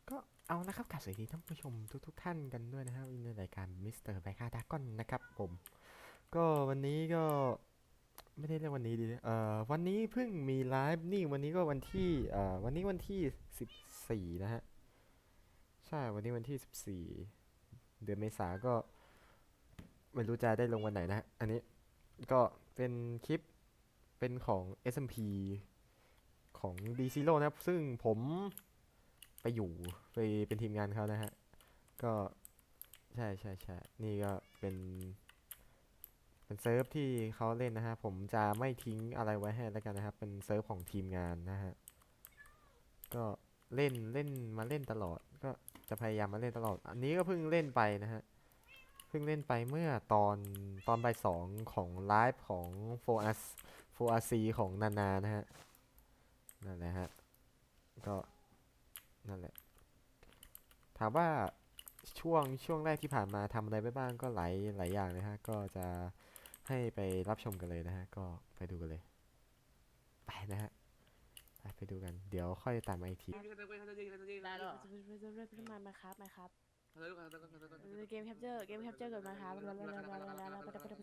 ก็เอาละครับกลับสวัสดีท่านผู้ชมทุกท่านกันด้วยนะครับในรายการมิสเตอร์ไบคาดากอนนะครับผมก็วันนี้ก็ไม่ได้เรียกวันนี้ดีวันนี้เพิ่งมีไลฟ์นี่วันนี้ก็วันนี้วันที่14นะฮะใช่วันนี้วันที่14เดือนเมษาก็ไม่รู้จะได้ลงวันไหนนะฮะอันนี้ก็เป็นคลิปเป็นของ SMP ของ D Zero นะครับซึ่งผมไปอยู่ไปเป็นทีมงานเขานะฮะก็ใช่นี่ก็เป็นเซิร์ฟที่เขาเล่นนะฮะผมจะไม่ทิ้งอะไรไว้ให้แล้วกันนะครับเป็นเซิร์ฟของทีมงานนะฮะก็เล่นมาเล่นตลอดก็จะพยายามมาเล่นตลอดอันนี้ก็เพิ่งเล่นไปนะฮะเพิ่งเล่นไปเมื่อตอนบ่ายสองของไลฟ์ของ 4R 4RC ของนานานะฮะนั่นแหละฮะก็นั่นแหละถามว่าช่วงแรกที่ผ่านมาทำอะไรไปบ้างก็หลายอย่างเลยฮะก็จะให้ไปรับชมกันเลยนะฮะก็ไปดูกันเลยไปนะฮะไปดูกันเดี๋ยวค่อยตามมาอีกทีได้หรอมาครับเกมแคปเจอร์เกิดมาครับเข้าไม่ได้เข้าไม่ได้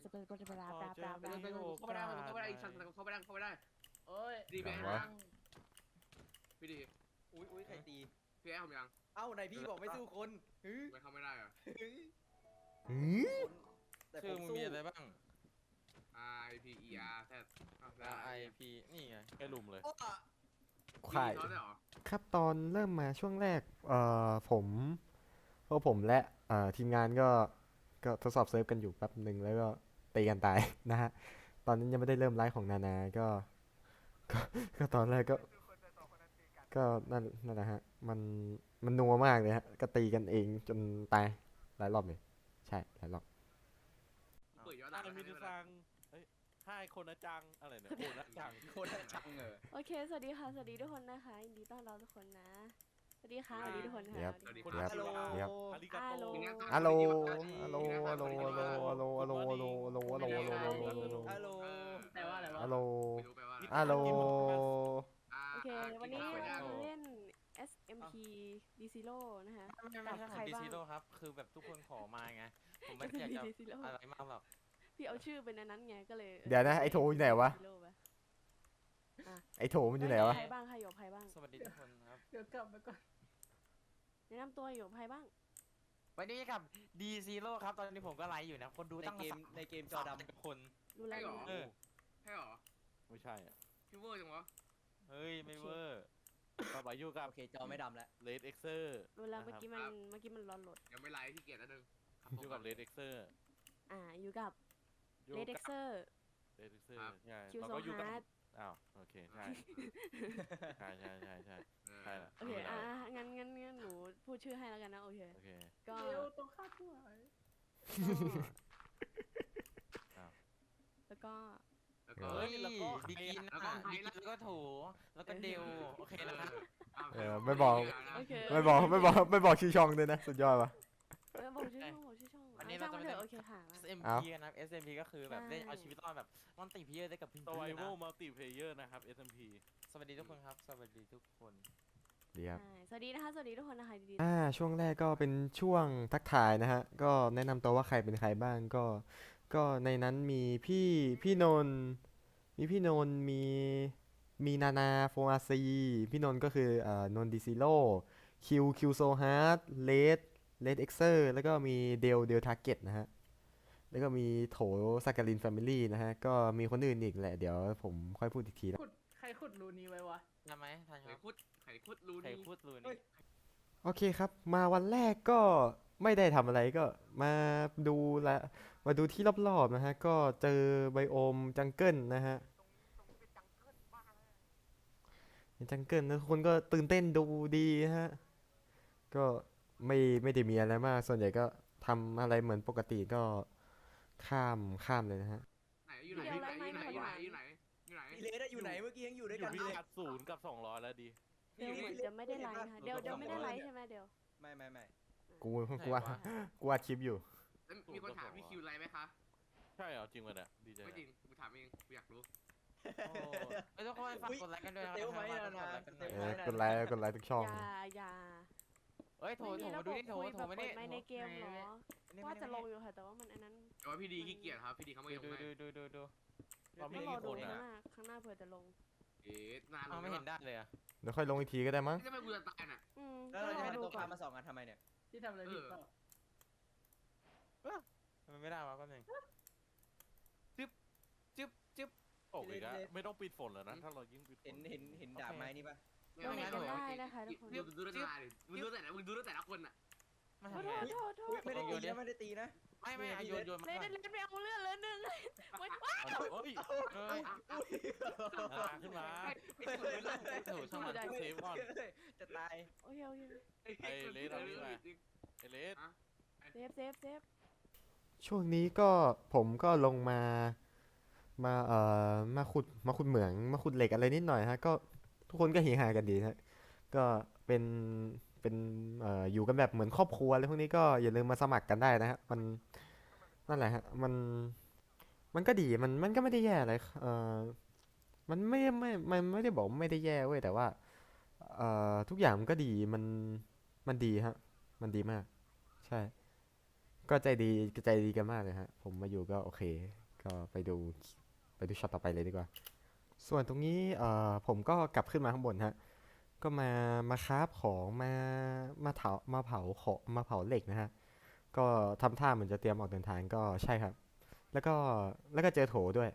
เข้าไม่ได้โอ้ยดีไหมวะพี่ดีอุ้ยใครตีพี่แอมยังเอ้าไหนพี่บอกไม่สู้คนฮึไม่เข้าไม่ได้อะหืมแต่ชื่ผอมมึงสู้มีอะไรบ้าง I P E R Z RIP นี่ไงแกลุ่มเลยอ้อควายเขาได้หรอครับตอนเริ่มมาช่วงแรกผมผมและทีมงานก็ทดสอบเซิร์ฟกันอยู่แป๊บหนึ่งแล้วก็ตีกันตายนะฮะตอนนั้นยังไม่ได้เริ่มไลฟ์ของนานาก็ก็ตอนแรกก็นั่นแหละฮะมันนัวมากเลยฮะก็ตีกันเองจนตายหลายรอบเลยใช่หลายรอบเปิดย้อนหไอ้ลังมินิซังเฮ้ยค่ายโคนนะจัง อะไรเนี่ยโคนนะจังคนจังโอเคสวัสดีค่ะสวัสดีทุกคนนะคะยินดีต้อนรับทุกคนนะสวัสดีค่ะสวัสดีทุกคนค่ะครับสวัสดีคนคนะรับเดี๋ยวจังเดี๋ยวอาริกาโตฮัลโหลฮัลโหลฮัลโหลฮัลโหลฮัลโหลฮัลโหลฮัลโหลฮัลโหลฮัลโหลฮัลโหลฮัลโหลฮัลโหลฮัลโหลฮัลโหลแปลว่าอะไรวะฮัลโหลไม่รู้แปลว่าอะไรฮัลโหลโอเควันนี้เราเล่น SMP D Zero นะคะไม่ใช่ของดีซีโร่ครับ คือแบบทุกคนขอมาไง ผมไม่อยากจะ D Zero อะไรมากหรอกพี่เอาชื่อเป็นอันนั้นไงก็เลยเดี๋ยวนะไอ้โถอยู่ไหนวะ D Zero ไปไอ้โถมันอยู่ไหนวะใครบ้างใครอยู่ใครบ้างสวัสดีทุกคนครับเดี๋ยวกลับไปก่อนแนะนำตัวอยู่ใครบ้างวันนี้กับดีซีโร่ครับ ตอนนี้ผมก็ไลฟ์อยู่นะ คนดูในตั้งเกมจอดำคนดูแลใช่หรอเออใช่หรอไม่ใช่อ่ะพี่เวอร์จังวะเฮ้ย ไม่เวอร์ต่อไปอยู่กับโอเคจอไม่ดำแล้วเลดเอ็กเซอร์ดูแลเมื่อกี้มันร้อนหลดยังไม่ไลฟ์ที่เกียรตินึงอยู่กับเลดเอ็กเซอร์อยู่กับ Red Dexter เลดเอ็กเซอร์ใช่คิวแล้วโซก็อยู่กับฮาร์ดอ้าว โอเค ใช่ ใช่ใช่ละโอเคงั้นหนูพูดชื่อให้แล้วกันนะโอเคโอเคก็เดี๋ยวต้องฆ่าตัวแล้วก็แล้วก็เฮ้ยแล้วก็บิกินแล้วก็อ่ะบิกินแล้วก็โถแล้วก็เดวโอเคแล้วนะไม่บอกโอเคไม่บอกชื่อช่องด้วยนะสุดยอดวะบอกชื่อช่องอันนี้ช่าเรางจะมันไม่เถได้อะโอเคค่ะ SMP กันนะครับ SMP ก็คือแบบเล่นเอาชีวิตรอดแบบมันติเพเยอร์ได้กับพิง s u r v i นะ v a l Multiplayer นะครับ SMP สวัสดีทุกคนครับ สวัสดีทุกคนดีครับสวัสดีนะคะสวัสดีทุกคนนะคะดีช่วงแรกก็เป็นช่วงทักทายนะฮะก็แนะนำตัวว่าใครเป็นใครบ้างก็ในนั้นมีพี่นนท์มีพี่นนท์มีนานาโฟอาซีพี่นนท์ก็คือนนท์ดิซิโลคิวโซฮาร์ดเลดเอ็กเซอร์แล้วก็มีเดลทาร์เก็ตนะฮะแล้วก็มีโถซากาลินแฟมิลี่นะฮะก็มีคนอื่นอีกแหละเดี๋ยวผมค่อยพูดอีกทีนะใครขุดรูนี้ไว้วะทำไหมทันคใครรับขุดรูใครนี้พูดรูเฮ้นี่ยโอเคครับมาวันแรกก็ไม่ได้ทำอะไรก็มาดูละมาดูที่รอบๆนะฮะก็เจอไบโอมจังเกิลนะฮะจังเกิลนะทุกคนก็ตื่นเต้นดูดีฮะก็ไม่ได้มีอะไรมากส่วนใหญ่ก็ทำอะไรเหมือนปกติก็ข้ามเลยนะฮะไหนอยู่ไหนอยู่ไหนอยู่ไหนอยู่ไหนอยู่ไหนพี่เลสอะอยู่ไหนเมื่อกี้ยังอยู่ด้วยอกัยู่นที่เลยอัด0 กับ 200 แล้วดีเดี๋ยวเหมือนจะไม่ได้ไลน์นะคะเดี๋ยวไม่ได้ไลน์ใช่ไหมเดี๋ยวไม่กูอัดคลิปอยู่มีคนถามพี่คิวอะไรไหมคะใช่เหรอ จริงป่ะเนี่ยดีใจไม่จริงกูถามเองกูอยากรู้โอ้ไม่ต้องคอยฝากกดไลค์กันด้วยนะคเซลรับไหมฝากนะกดไลค์กันหน่อยกดไลค์ทุกช่องอย่าเอ้ยโถไม่โถมีระบดูบนี่โถคุยโถแบบมาเปินี่ดไมค์ในเกมเหรอนี่ว่ามาจะลนี่งอยู่ค่ะแต่ว่ามันอันนั้นแต่ว่าพี่ดีขี้เกียจครับพี่ดีเขาไม่ดูลงดูให้ดูเราต้ไม่องรมีอคดูนข้างอ่ะหน้าข้างหน้าเผื่อจะลงนานเอาไม่เห็นได้เลยอ่ะเดี๋ยวค่อยลงอีกทีก็ได้มั้งจะไม่กูจะตายน่ะแล้วก็เรารจะอหาดูตัวก่พาอนมาสองอันทำไมเนี่ยที่ทำอะไรผิดเปล่าทำไมไม่ได้วะแป๊บนึงจึ๊บจึ๊บจึ๊บโอ้ยไม่ต้องปิดฝนแล้วนะ ถ้าเรายิ่งปิดฝเห็นนเห็นดาบไม้นี่ปะลงไหนก็ได้นะคะทุกคนดูตั้งนานดิมึงดูแต่ละมึงดูแต่ละคนอ่ะไม่โททำษไงโทษไม่ได้ตีนะไม่ได้ตีนะไม่โยนมาเล่นเล่นไม่เอาเลือดเลยหนึ่งไม่เอ้ยขึ้นมาโถช่างมันเซฟก่อนจะตายโอเคโอเคไอ้เลสเอานี่มาไอ้เลสเซฟช่วงนี้ก็ผมก็ลงมาขุดเหมืองมาขุดเหล็กอะไรนิดหน่อยฮะก็ทุกคนก็เฮฮากันดีฮะก็เป็นอยู่กันแบบเหมือนครอบครัวอะไรพวกนี้ก็อย่าลืมมาสมัครกันได้นะฮะมันนั่นแหละฮะมันก็ดีมันก็ไม่ได้แย่อะไรมันไม่ได้บอกว่าไม่ได้แย่เว้ยแต่ว่าทุกอย่างมันก็ดีมันดีฮะมันดีมากใช่ก็ใจดีกันมากเลยฮะผมมาอยู่ก็โอเคก็ไปดูช็อตต่อไปเลยดีกว่า ส่วนตรงนี้ผมก็กลับขึ้นมาข้างบนฮะก็มาคราฟของมาเผาของมาเผาเหล็กนะฮะก็ทำท่าเหมือนจะเตรียมออกเดินทางก็ใช่ครับ แล้วก็เจอโถด้วย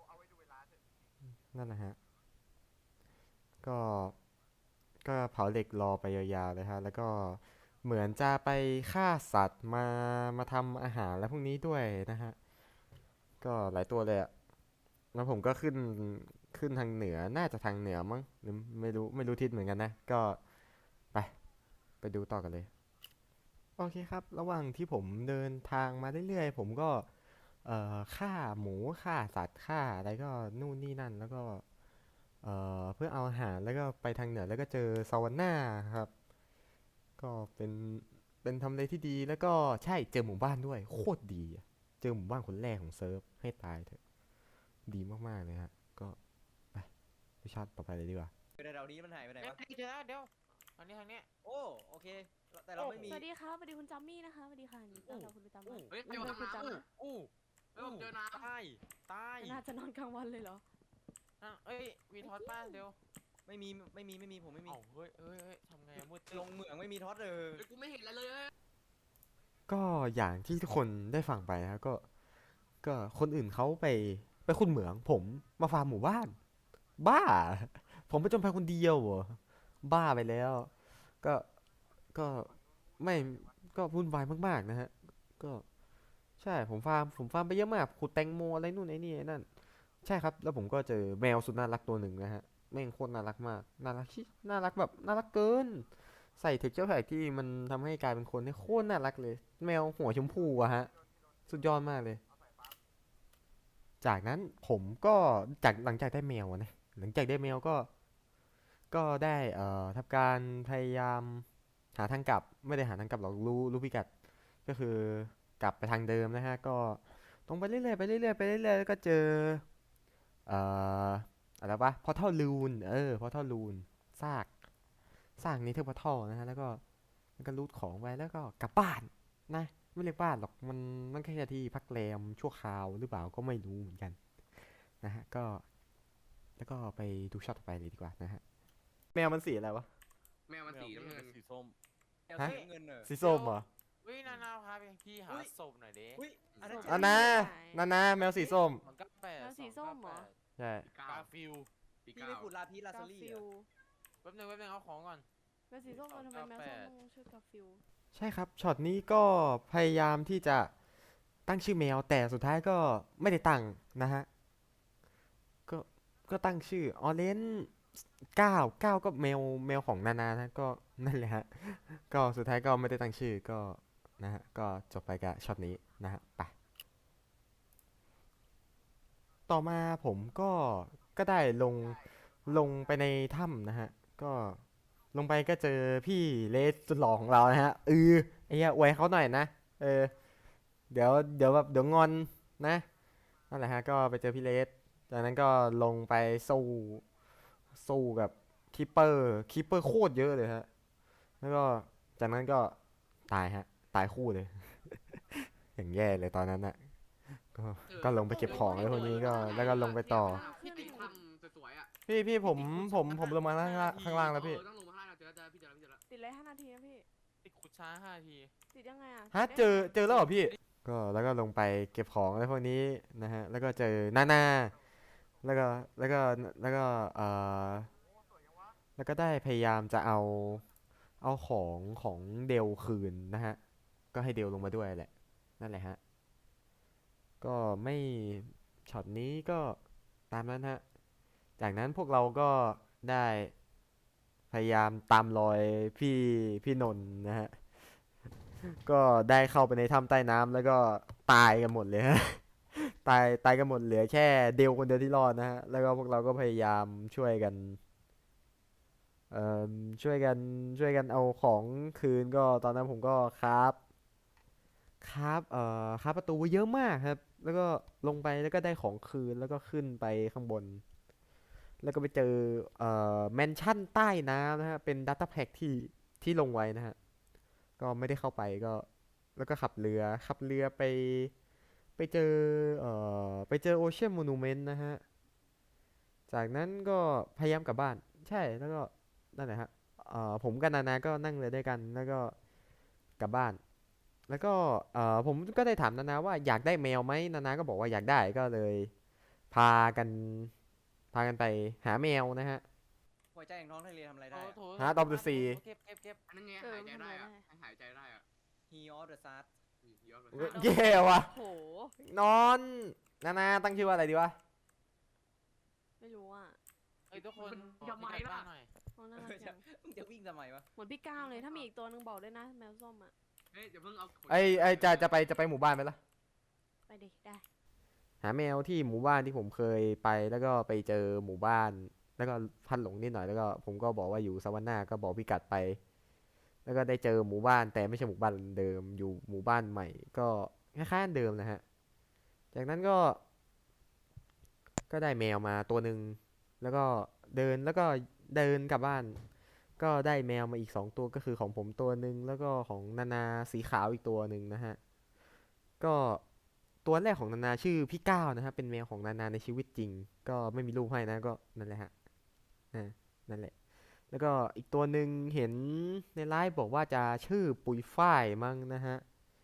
นั่นแหละฮะก็เผาเหล็กรอไปยาวๆเลยฮะแล้วก็เหมือนจะไปฆ่าสัตว์มาทำอาหารแล้วพวกนี้ด้วยนะฮะก็หลายตัวเลยอะแล้วผมก็ขึ้นทางเหนือน่าจะทางเหนือมั้งหรือไม่รู้ทิศเหมือนกันนะก็ไปดูต่อกันเลยโอเคครับระหว่างที่ผมเดินทางมาเรื่อยๆผมก็ฆ่าหมูฆ่าสัตว์ฆ่าอะไรก็นู่นนี่นั่นแล้วก็เพื่อเอาอาหารแล้วก็ไปทางเหนือแล้วก็เจอซาวาน่าครับก็เป็นทำเลที่ดีแล้วก็ใช่เจอหมู่บ้านด้วยโคตรดีอะเจอหมู่บ้านคนแรกของเซิร์ฟให้ตายเถอะดีมากๆเลยฮะก็ไปชาติต่อไปเลยดีกว่าเป็นเรานี้มันหายไปไหนวะเดี๋ยวทางนี้โอ้โอเคแต่เราไม่มีสวัสดีครับสวัสดีคุณจัมมี่นะคะสวัสดีค่ะนี่ต้อนรับคุณประจำวันเฮ้ยไม่เป็นคุณจัมมี่อู้เฮ้ยผมเจอน้ตายน่าจะนอนกลางวันเลยเหรอเอ้ยวีทอสป้าเดี๋ยวไม่มีผมไม่มีเฮ้ยทำไงมืดลงเหมืองไม่มีท็อตเลยำกูไม่เห็นอะไรเลยก็อย่างที่ทุกคนได้ฟังไปนะก็คนอื่นเขาไปขุดเหมืองผมมาฟาร์มหมู่บ้าน บ้า ผมไปจนภัยคนเดียวเหรอบ้าไปแล้ว ก็ไม่ก็วุ่นวายมากๆนะฮะก็ใช่ผมฟาร์มไปเยอะมากขุดแตงโมอะไรนู่นไอ้นี่ไอ้นั่นใช่ครับแล้วผมก็เจอแมวสุดน่ารักตัวหนึ่งนะฮะแม่งโคตรน่ารักมากน่ารักแบบน่ารักเกิน ใส่เทคเจอร์แพ็กที่มันทำให้กลายเป็นคนที่โคตรน่ารักเลย แมวหัวชมพูอะฮะสุดยอดมากเลย จากนั้นผมก็หลังจากได้แมวอะนะหลังจากได้แมวก็ได้ทำการพยายามหาทางกลับไม่ได้หาทางกลับหรอกรู้พิกัดก็คือกลับไปทางเดิมนะฮะก็ตรงไปเรื่อยๆแล้วก็เจออะไรวะพอเท่าลูนพอเท่าลูนซากนี้เท่าพอเท่านะฮะแล้วก็รูทของไว้แล้วก็กลับบ้านนะไม่เรียกบ้านหรอกมันแค่ที่พักแรมชั่วคราวหรือเปล่าก็ไม่รู้เหมือนกันนะฮะแล้วก็ไปดูช็อตต่อไปเลยดีกว่านะฮะแมวมันสีอะไรวะแมวมันสีน้ำเงินสีส้มฮะเงินเนอะสีส้มเหรอนาพาพี่หาศพหน่อยดิอุ้ยอันนั้นอันนะแมวสีส้มมันก็แปดแล้วสีส้มเหรอใช่กาฟิลพี่ไม่ขุดลาพีลากาโซลี่ฟิลแป๊บนึงเอาของก่อนแมวสีส้มทำไมแมวส้มต้องชื่อกาฟิลใช่ครับช็อตนี้ก็พยายามที่จะตั้งชื่อแมวแต่สุดท้ายก็ไม่ได้ตั้งนะฮะก็ตั้งชื่อออเรน9ก็แมวของนานะก็นั่นแหละฮะก็สุดท้ายก็ไม่ได้ตั้งชื่อก็นะฮะก็จบไปกับช็อตนี้นะฮะไปต่อมาผมก็ได้ลงไปในถ้ำนะฮะก็ลงไปก็เจอพี่เลสสุดหล่อของเรานะฮะไอ้เหี้ยอวยเขาหน่อยนะเดี๋ยวแบบเดี๋ยวงอนนะนั่นแหละฮะก็ไปเจอพี่เลสจากนั้นก็ลงไปสู้กับคีปเปอร์โคตรเยอะเลยฮะแล้วก็จากนั้นก็ตายฮะ ตายคู่เลย อย่างแย่เลยตอนนั้นอะก็ลงไปเก็บของแล้วพวกนี้ก็แล้วก็ลงไปต่อที่ติดถ้ำสวยๆอ่ะพี่ผมลงมาข้างล่างแล้วพี่ต้องลงมาข้างล่างเจอแล้วพี่เจอแล้วติดเลย5 นาทีนะพี่ติดขุดช้า5 ทีติดยังไงอ่ะฮะติดเจได้อแล้วเหรอพี่ ก็แล้วก็ลงไปเก็บของอะไรพวกนี้นะฮะ แล้วก็เจอนาแล้วก็แล้วก็แล้วก็ได้พยายามจะเอาของเดลคืนนะฮะ ก็ให้เดลลงมาด้วยแหละ นั่นแหละฮะ ก็ไม่ช็อตนี้ก็ตามนั้นฮะ จากนั้นพวกเราก็ได้พยายามตามรอยพี่นนท์นะฮะ ก็ได้เข้าไปในถ้ำใต้น้ำแล้วก็ตายกันหมดเลยฮะ ตายกันหมดเหลือแค่เดลคนเดียวที่รอดนะฮะ แล้วก็พวกเราก็พยายามช่วยกันเอ่อช่วยกันเอาของคืนก็ตอนนั้นผมก็คราฟประตูไว้เยอะมากครับ แล้วก็ลงไปแล้วก็ได้ของคืนแล้วก็ขึ้นไปข้างบน แล้วก็ไปเจอแมนชั่นใต้น้ำนะฮะเป็นดัตต้าแพ็กที่ลงไว้นะฮะ ก็ไม่ได้เข้าไปก็แล้วก็ขับเรือไปเจอโอเชียนโมนูเมนต์นะฮะ จากนั้นก็พยายามกลับบ้าน ใช่แล้วก็นั่นแหละฮะผมกับนานาก็นั่งเรือด้วยกันแล้วก็กลับบ้าน แล้วก็ผมก็ได้ถามนานาว่าอยากได้แมวไหมนานาก็บอกว่าอยากได้ก็เลยพากันไปหาแมวนะฮะหัวใจแห่งท้องทะเลทำอะไรได้อะฮะ Dom the Sea เก็บอันนั้นไงหายใจได้อ่ะหายใจได้อ่ะ He of the Stars ย้อนแย่ว่ะโหนอนนาตั้งชื่อว่าอะไรดีวะไม่รู้อ่ะเฮ้ยทุกคนอย่าไม้ล่ะหน่อยเขาน่ารักจังมึงจะวิ่งทำไมวะเหมือนพี่ก้าวเลย ถ้ามีอีกตัวนึงบอกด้วยนะ แมวส้มอ่ะเฮ้ยเดี๋ยวเพิ่งเอาไอจะไปหมู่บ้านไหมล่ะไปดิ ได้หาแมวที่หมู่บ้านที่ผมเคยไปแล้วก็ไปเจอหมู่บ้าน แล้วก็พัดหลงนิดหน่อยแล้วก็ผมก็บอกว่าอยู่ซาวาน่าก็บอกพิกัดไป แล้วก็ได้เจอหมู่บ้านแต่ไม่ใช่หมู่บ้านเดิมอยู่หมู่บ้านใหม่ ก็คล้ายๆเดิมนะฮะ จากนั้นก็ได้แมวมาตัวหนึ่งแล้วก็เดินกลับบ้าน ก็ได้แมวมาอีก2ตัวก็คือของผมตัวหนึ่งแล้วก็ของนานาสีขาวอีกตัวหนึ่งนะฮะ ก็ตัวแรกของนานาชื่อพี่ก้าวนะฮะเป็นแมวของนานาในชีวิตจริง ก็ไม่มีรูปให้นะก็นั่นแหละฮะนั่นแหละ แล้วก็อีกตัวหนึ่งเห็นในไลฟ์บอกว่าจะชื่อปุยฝ้ายมั้งนะฮะ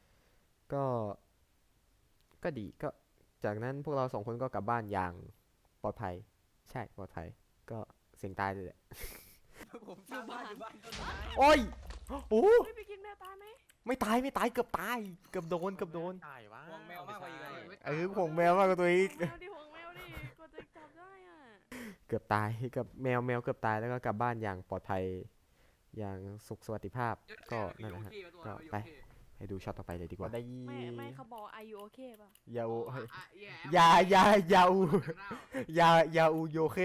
ก็ดีก็จากนั้นพวกเรา2 คนก็กลับบ้านอย่างปลอดภัยใช่ปลอดภัยก็เสียงตายเลยแหละผมสร้างบ้านอยู่บ้านต้นไม้โอ้ยโอ้เฮ้ยพี่กินแมวตายไหมไม่ตายเกือบตายเกือบโดนตายวะห่วงแมวมากกว่าอีกเลยห่วงแมวมากกว่าตัวอีกห่วงแมวดิห่วงแมวดิกว่าจะจับได้อ่ะเกือบตายกับแมวเกือบตายแล้วก็กลับบ้านอย่างปลอดภัยอย่างสุขสวัสดิภาพก็นั่นแหละฮะก็ไปให้ดูช็อตต่อไปเลยดีกว่าได้ไม่เขาบอก are you okay ป่ะยาอูอย่ายาอูโยเค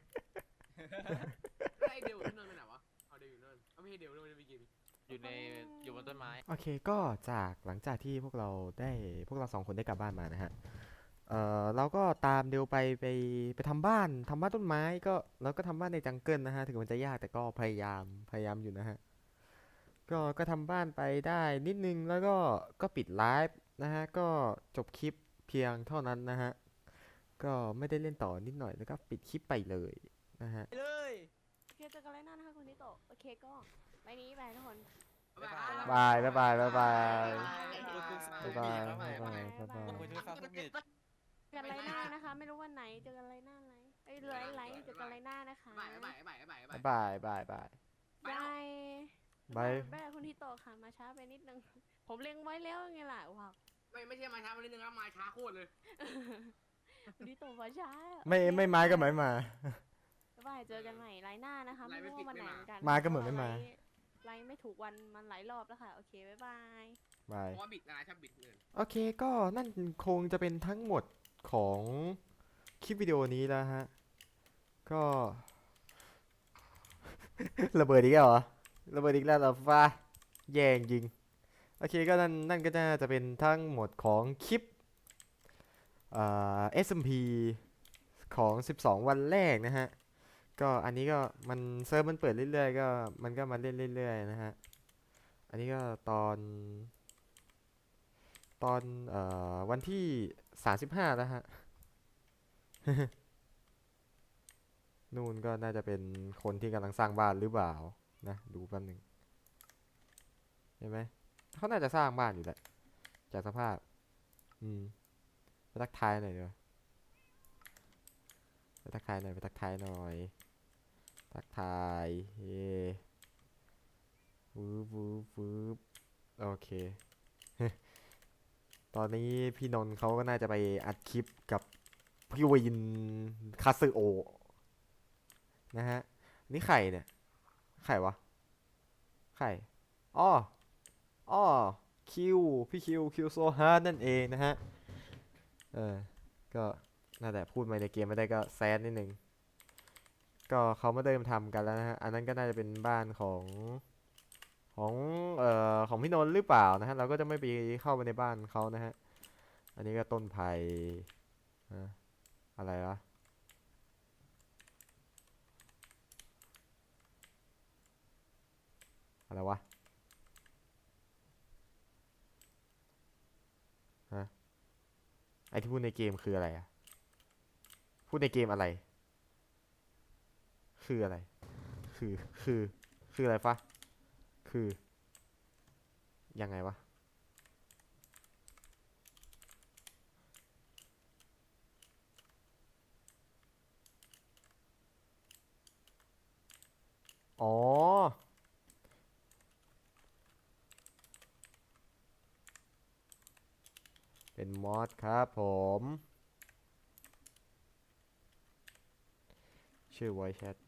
ไอเดียวอยู่นั่นไปไหนวะเอาเดียวอยู่นั่นเอาไม่ใช่เดียวนั่นไม่ได้ไปกินอยู่บนต้นไม้โอเคก็หลังจากที่พวกเรา2 คนได้กลับบ้านมานะฮะเราก็ตามเดวไปทำบ้านต้นไม้ก็เราก็ทำบ้านในจังเกิลนะฮะถึงมันจะยากแต่ก็พยายามอยู่นะฮะก็ทำบ้านไปได้นิดนึงแล้วก็ปิดไลฟ์นะฮะก็จบคลิปเพียงเท่านั้นนะฮะก็ไม่ได้เล่นต่อนิดหน่อยแล้วก็ปิดคลิปไปเลยนะฮะไปเลยโอเคเจอกันเลยหน้านะคะคุณนิโตะโอเคก็ไปนี้ไปทุกคนบายบายบายบายบายบ๊ายบายบายบายคุยโทรศัพท์ทุกเน็ตเจอกันไรหน้านะคะ ไม่รู้วันไหนเจอกันไรหน้าไรเอ้ยไรเจอกันไรหน้านะคะบ่ายบายบายบายบายบายคุณนิโตะค่ะมาช้าไปนิดนึงผมเล็งไว้แล้วไงล่ะว้าวไม่ใช่มาช้ามานิดนึงนะมาช้าโคตรเลยคุณนิโตะมาช้าไม่ไม้ก็ไม่มาบ๊ายบายเจอกันใหม่ไรหน้านะคะไม่รู้ว่าวันไหนเหมือนกันมาก็เหมือนไม่มาไรไม่ถูกวันมันหลายรอบแล้วค่ะโอเคบ๊ายบายบายเพราะว่าบิดนะชอบบิดเงินโอเคก็นั่นคงจะเป็นทั้งหมดของคลิปวิดีโอนี้แล้วฮะก็ ระเบิดอีกแล้วเหรอระเบิดอีกแล้วเหรอฟ้าแย่จริงโอเคก็นั่นก็น่าจะเป็นทั้งหมดของคลิปSMP ของ 12 วันแรกนะฮะก็อันนี้ก็มันเซิร์ฟมันเปิดเรื่อยๆก็มันก็มาเล่นเรื่อยๆนะฮะอันนี้ก็ตอนวันที่35แล้วฮะ นู่นก็น่าจะเป็นคนที่กำลังสร้างบ้านหรือเปล่านะดูแป๊บหนึงเห็นไหมเขาน่าจะสร้างบ้านอยู่แหละจากสภาพไปทักทายหน่อยดีกว่าไปทักทายหน่อยทักทายเฮ้วืบโอเค ตอนนี้พี่นนท์เขาก็น่าจะไปอัดคลิปกับพี่วินคาซึโอะนะฮะนี่ไข่เนี่ยไข่วะไข่อ้อพี่คิวโซฮาร์ดนั่นเองนะฮะก็น่าแต่พูดมาในเกมไม่ได้ก็แซดนิดนึงก็เขามาเริ่มทำกันแล้วนะฮะอันนั้นก็น่าจะเป็นบ้านของพี่นนท์หรือเปล่านะฮะเราก็จะไม่ไปเข้าไปในบ้านเขานะฮะอันนี้ก็ต้นไผ่อะไรวะไอที่พูดในเกมคืออะไรอะพูดในเกมอะไรคืออะไรคือคืออะไรฟะคือยังไงวะอ๋อเป็นมอดครับผมชื่อ voice chat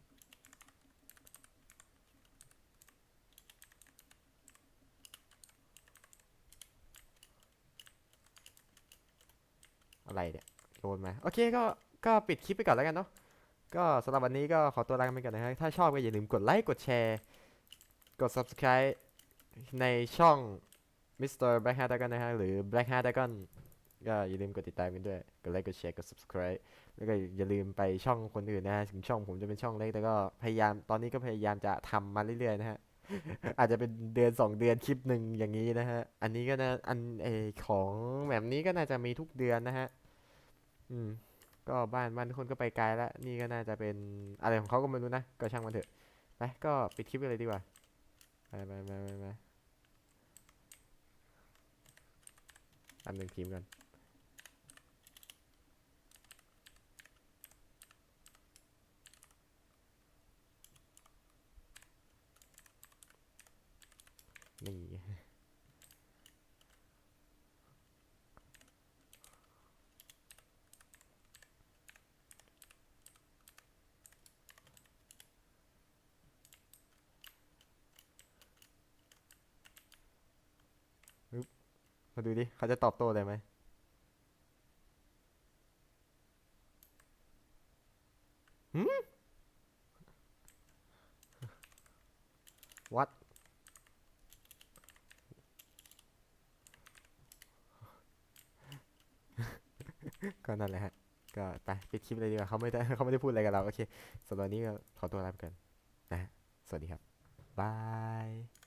อะไรเนี่ยโดนมาโอเคก็ปิดคลิปไปก่อนแล้วกันเนาะก็สำหรับวันนี้ก็ขอตัวลาไปก่อนนะฮะถ้าชอบก็อย่าลืมกดไลค์กดแชร์กด subscribe ในช่อง Mr. Black Hat Dragon นะฮะหรือ Black Hat Dragon ก็อย่าลืมกดติดตามกันด้วยกดไลค์กดแชร์กด subscribe แล้วก็อย่าลืมไปช่องคนอื่นนะฮะถึงช่องผมจะเป็นช่องเล็กแต่ก็ตอนนี้ก็พยายามจะทำมาเรื่อยๆนะฮะ อาจจะเป็นเดือน2 เดือนคลิปหนึ่งอย่างนี้นะฮะอันนี้ก็นะของแบบนี้ก็น่าจะมีทุกเดือนนะฮะก็บ้านทุกคนก็ไปไกลแล้วนี่ก็น่าจะเป็นอะไรของเขาก็ไม่รู้นะก็ช่างมันเถอะไปก็ปิดคลิปกันเลยดีกว่าไปอันหนึ่งพิมพ์กันนี่มาดูดิเขาจะตอบโต้ได้ไหมวัด ก็นั่นแหละฮะก็ไปปิดคลิปเลยดีกว่าเขาไม่ได้เขาไม่ได้พูดอะไรกับเราโอเคสำหรับวันนี้ก็ขอตัวลาไปก่อนนะฮะสวัสดีครับบาย